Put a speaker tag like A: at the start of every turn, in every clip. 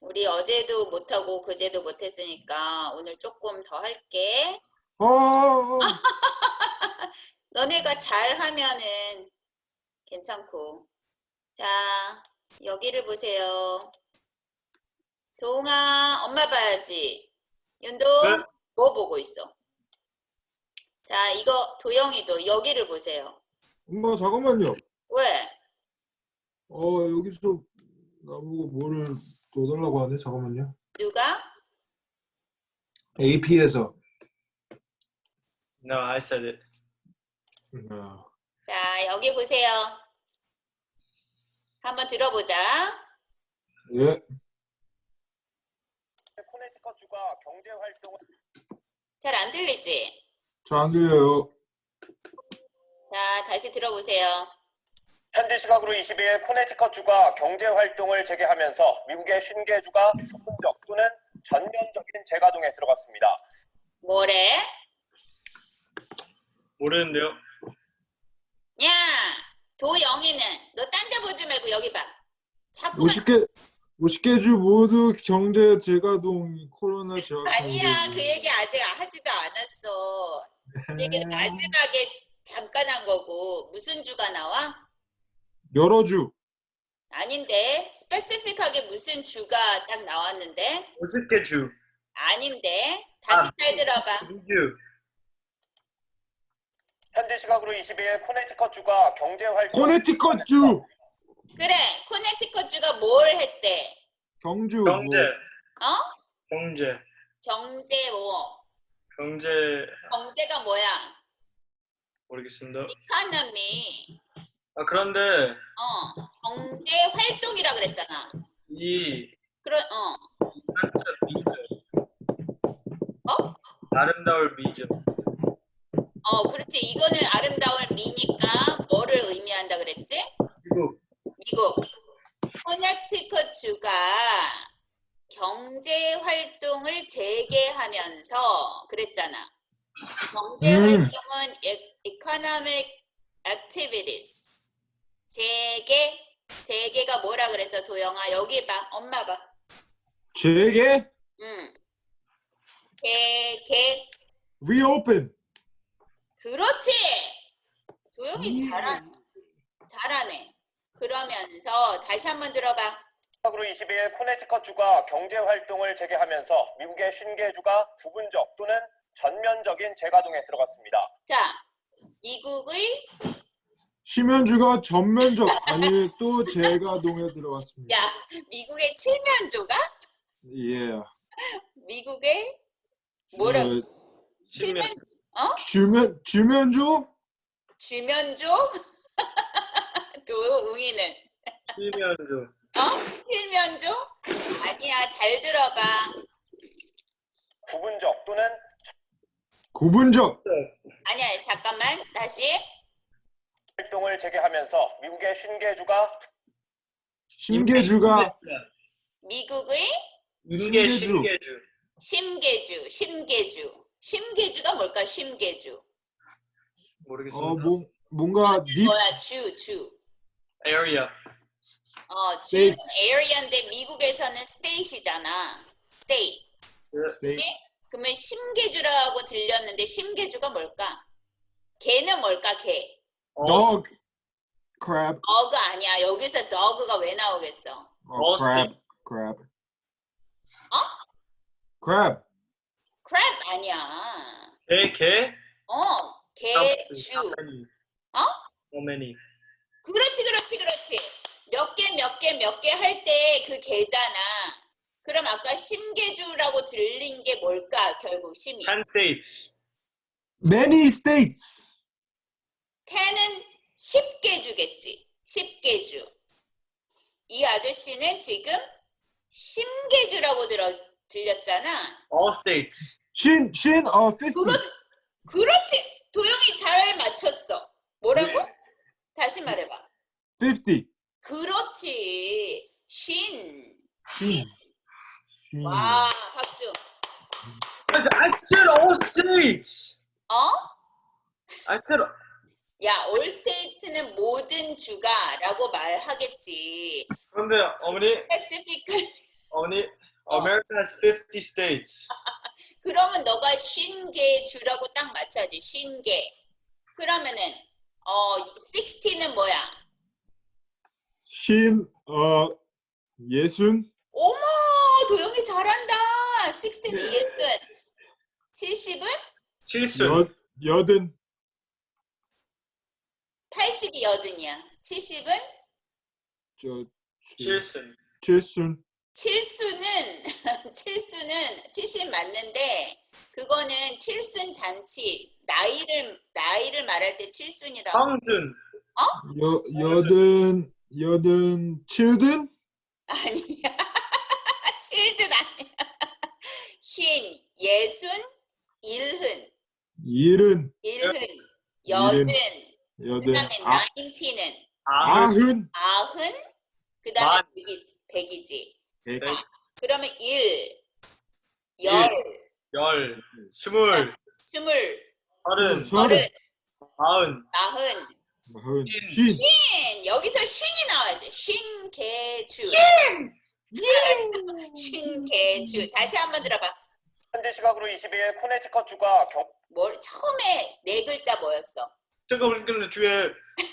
A: 우리 어제도 못하고 그제도 못했으니까 오늘 조금 더 할게. 너네가 잘하면은 괜찮고. 자, 여기를 보세요. 도웅아, 엄마 봐야지. 윤도,
B: 네?
A: 뭐 보고 있어? 자, 이거 도영이도 여기를 보세요.
B: 엄마 잠깐만요.
A: 왜?
B: 여기서 나보고 뭐를 넣어달라고 하네. 잠깐만요.
A: 누가?
B: AP에서.
C: No, I said it.
A: 자, 여기 보세요. 한번 들어보자.
B: 예.
D: 코네티컷주가 경제 활동을
A: 잘 안 들리지?
B: 잘 안 들려요.
A: 자, 다시 들어보세요.
D: 현지 시각으로 22일 코네티컷주가 경제 활동을 재개하면서 미국의 50개주가 부분적 또는 전면적인 재가동에 들어갔습니다.
A: 뭐래?
C: 모르는데요.
A: 야, 도영이는 너 딴 데 보지 말고 여기 봐. 자꾸
B: 50개 주 모두 경제 재가동 코로나 재확산.
A: 아니야, 그 얘기 아직 하지도 않았어. 그 얘기 마지막에 잠깐 한 거고. 무슨 주가 나와?
B: 여러 주.
A: 아닌데. 스페시픽하게 무슨 주가 딱 나왔는데?
C: 50개 주.
A: 아닌데. 다시 잘 들어봐.
C: 주.
D: 현지 시각으로 22일 코네티컷주가 경제 활동
B: 코네티컷 주.
A: 그래, 코네티컷 주가 뭘 했대?
B: 경주.
C: 경제.
A: 어?
C: 경제.
A: 경제 뭐?
C: 경제.
A: 경제가 뭐야?
C: 모르겠습니다.
A: 이코노미.
C: 그런데
A: 경제 활동이라 그랬잖아.
C: 이 한자 미죠.
A: 어?
C: 아름다울 미죠.
A: 그렇지. 이거는 아름다운 미니까 뭐를 의미한다 그랬지? 미국. 코네티컷 주가 경제 활동을 재개하면서 그랬잖아. 경제 활동은 economic activities. 재개가 뭐라 그랬어, 도영아? 여기 봐. 엄마 봐.
B: 재개?
A: 재개.
B: Reopen.
A: 그렇지. 도영이 잘하네. 그러면서 다시 한번 들어봐.
D: 시각으로 22일 코네티컷주가 경제 활동을 재개하면서 미국의 50개주가 부분적 또는 전면적인 재가동에 들어갔습니다.
A: 자, 미국의
B: 심연주가 전면적 아니 또 재가동에 들어갔습니다.
A: 야, 미국의 칠면조가?
B: 예.
A: 미국의 뭐라고? 칠면
B: 주면주?
A: 주면조? 도웅이는
C: 실면조.
A: 칠면조? 아니야, 잘 들어봐.
D: 부분적 또는
B: 구분적.
A: 아니야, 잠깐만. 다시.
D: 활동을 재개하면서 미국의 50개주가
B: 신계주가
A: 미국의
C: 임계 신계주.
A: 심계주가 뭘까? 심계주.
C: 모르겠습니다.
B: 뭔가
A: 뭐야? 주.
C: area.
A: 주는 area인데 미국에서는 state이잖아. state. 그치? 그러면 심계주라고 들렸는데 심계주가 뭘까? 개는 뭘까? 개.
B: dog, crab.
A: dog 아니야. 여기서 dog가 왜 나오겠어?
B: crab. crab.
A: crab 아니야.
C: 개.
A: 개주.
C: How many?
A: 그렇지. 몇 개 할 때 그 개잖아. 그럼 아까 심계주라고 들린 게 뭘까? 결국 심이.
C: 10 states.
B: Many states.
A: 10은 10개주겠지. 10개주. 이 아저씨는 지금 심계주라고 들렸잖아.
C: All states.
B: 50.
A: 그렇지. 도영이 잘 맞췄어. 뭐라고? 다시 말해봐.
B: 50.
A: 그렇지. 신.
B: 와.
A: 와, 박수.
C: I said all states. I said.
A: 야, 올 스테이트는 모든 주가라고 말하겠지.
C: 그런데 어머니.
A: 스페시픽.
C: 어머니. America has 50 states.
A: 그러면 너가 50개 주라고 딱 맞춰야지. 50개. 그러면은 60는 뭐야?
B: 예순.
A: 어머, 도영이 잘한다. 60는 예순. 70은?
C: 7순.
B: 여든.
A: 80이 여든이야. 70은?
C: 7순.
B: 칠순.
A: 7수는 70 맞는데 그거는 7순 잔치. 나이를 말할 때 7순이라고.
C: 황순.
B: 여든 칠든.
A: 아니야. 7든 아니야. 예순, 일흔, 여든, 그 다음에 90는
C: 아흔.
A: 아흔, 그 다음에
C: 만.
A: 백이지.
B: 백.
A: 자, 그러면 열,
C: 스물.
A: 스물,
C: 서른.
A: 서른,
C: 마흔.
A: 마흔,
B: 쉰.
A: 여기서 쉰이 나와야지. 쉰개주. 쉰개주. 다시 한번 들어봐.
D: 현지 시각으로 22일 코네티컷주가
A: 처음에 네 글자 뭐였어?
C: 잠깐만 주에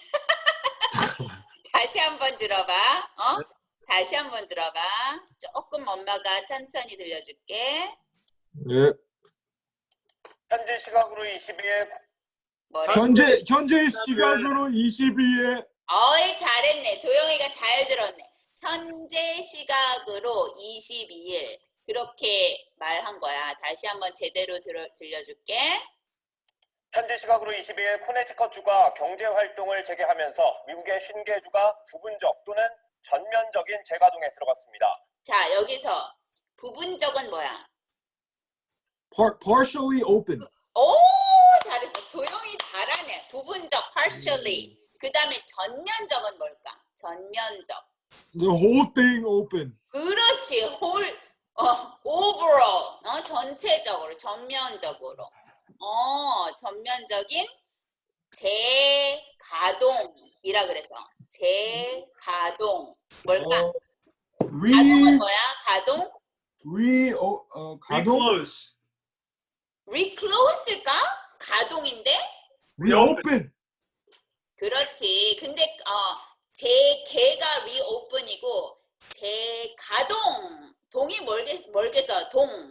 A: 다시 한번 들어봐. 다시 한번 들어봐. 조금 엄마가 천천히 들려줄게.
B: 예.
D: 현지 시각으로 22일
A: 뭐래?
B: 현재 시각으로 22일.
A: 어이, 잘했네. 도영이가 잘 들었네. 현재 시각으로 22일. 그렇게 말한 거야. 다시 한번 제대로 들려줄게.
D: 현지 시각으로 22일 코네티컷주가 경제활동을 재개하면서 미국의 50개주가 부분적 또는 전면적인 재가동에 들어갔습니다.
A: 자, 여기서 부분적은 뭐야?
B: Partially open.
A: 오, 잘했어. 도영이 잘하네. 부분적, partially. 그 다음에 전면적은 뭘까? 전면적.
B: The whole thing open.
A: 그렇지. overall. 전체적으로, 전면적으로. 전면적인 재가동이라 그래서. 재가동. 뭘까? 가동은 뭐야? 가동?
B: 가동?
C: Reclose.
A: reclose일까? 가동인데?
B: reopen.
A: 그렇지. 근데 재개가 reopen이고 재가동 동이 멀게서 동.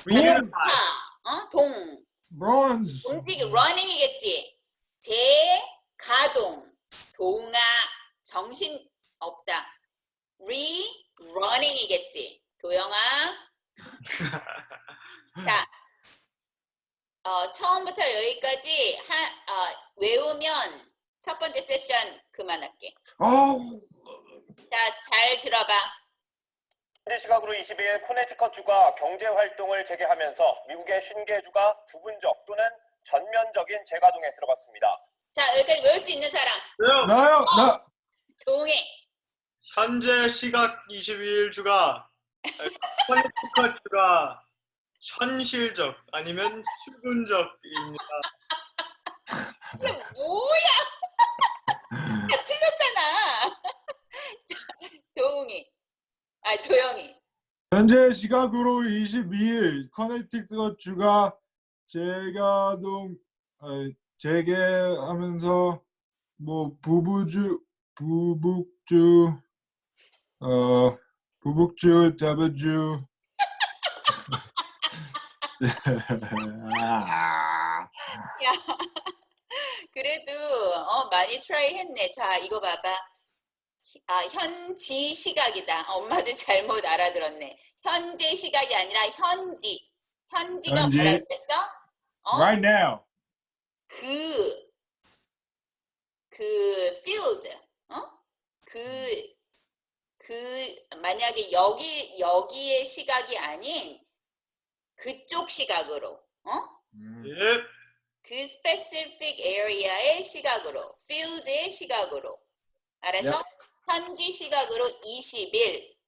A: 동.
B: bronze.
A: 움직이 running이겠지. 재가동. 동아 정신 없다. running이겠지. 도영아. 자. 처음부터 여기까지 외우면 첫 번째 세션 그만할게. 자, 잘 들어봐.
D: 현지 시각으로 22일 코네티컷주가 경제활동을 재개하면서 미국의 50개주가 부분적 또는 전면적인 재가동에 들어갔습니다.
A: 자, 여기까지 외울 수 있는 사람.
B: 나요.
A: 동해.
C: 현재 시각 22일주가 코네티컷주가 현실적 아니면 수분적입니다.
A: 이게 뭐야? 야, 틀렸잖아. 자, 도영이.
B: 현재 시각으로 22일 커네티컷주가 재개하면서 부북주, 대부주.
A: 야, 그래도 많이 트라이 했네. 자, 이거 봐봐. 현지 시각이다. 엄마도 잘못 알아들었네. 현재 시각이 아니라 현지. 현지가
B: 현지.
A: 뭐라 그랬어?
B: Right now.
A: 그 field. 만약에 여기의 시각이 아닌 그쪽 시각으로.
C: 예.
A: 그 specific area의 시각으로, field의 시각으로. 알았어?
B: Yep.
A: 현지 시각으로 20일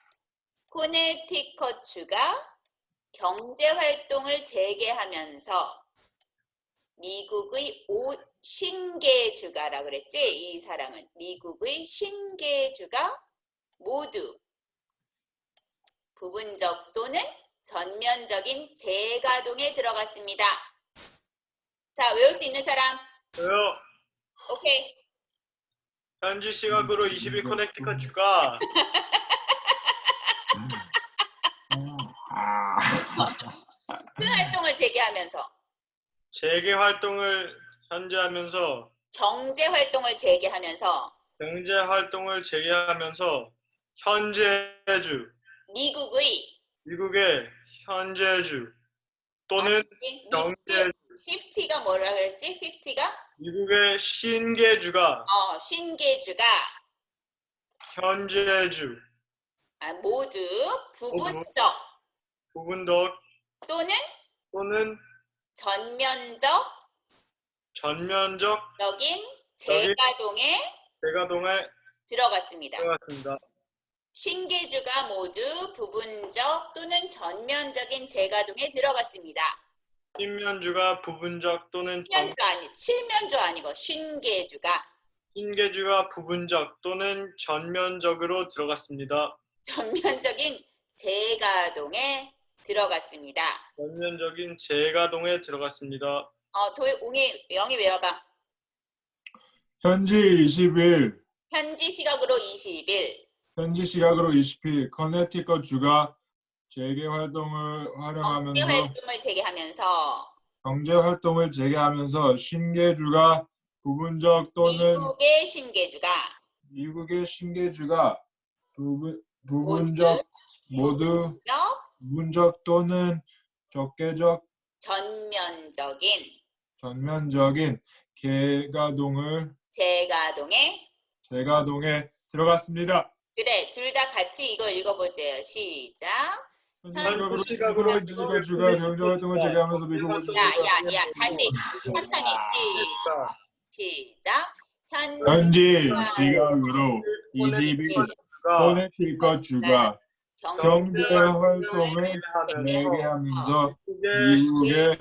A: 코네티컷주가 경제활동을 재개하면서 미국의 50개주가라 그랬지? 이 사람은 미국의 50개주가 모두 부분적 또는 전면적인 재가동에 들어갔습니다. 자, 외울 수 있는 사람?
C: 저요.
A: 오케이.
C: 현지 시각으로 20일 커넥티컷주가
A: 무슨 활동을 재개하면서?
C: 재개 활동을 현재 하면서
A: 경제 활동을 재개하면서
C: 경제 활동을 재개하면서 현재주 미국의 현재주 또는 경제
A: 50가 뭐라 그랬지? 50가?
C: 미국의 신계주가
A: 신계주가
C: 현재주
A: 모두 부분적
C: 부분적
A: 또는 전면적 적인 재가동에
C: 재가동에
A: 들어갔습니다. 신계주가 모두 부분적 또는 전면적인 재가동에 들어갔습니다.
C: 신면주가 부분적 또는
A: 칠면조 아니고 신계주가
C: 부분적 또는 전면적으로 들어갔습니다.
A: 전면적인 재가동에 들어갔습니다.
C: 전면적인 재가동에 들어갔습니다.
A: 웅이 영이 외워봐.
B: 현지 20일,
A: 현지 시각으로 20일
B: 현지 시각으로 20일 커네티컷 주가 재개 활동을 활용하면서 경제 활동을 재개하면서 신계주가 부분적 또는 미국의 신계주가 부분적 모두 부분적 또는 적개적 전면적인 재가동에 들어갔습니다.
A: 그래, 둘 다 같이 이거 읽어보세요. 시작.
B: 현지 시각으로 현지가 주가 경제 활동을 재개하면서 미국의
A: 야, 다시 천천히 시작.
B: 현지 시각으로 20일 커네티컷 주가 경제 활동을 재개하면서 미국의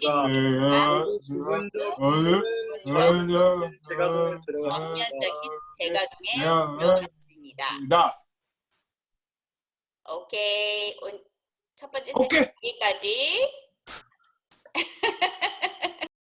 A: 전면적인 재가동에 들어갔습니다. 오케이. 첫 번째 세션 여기까지.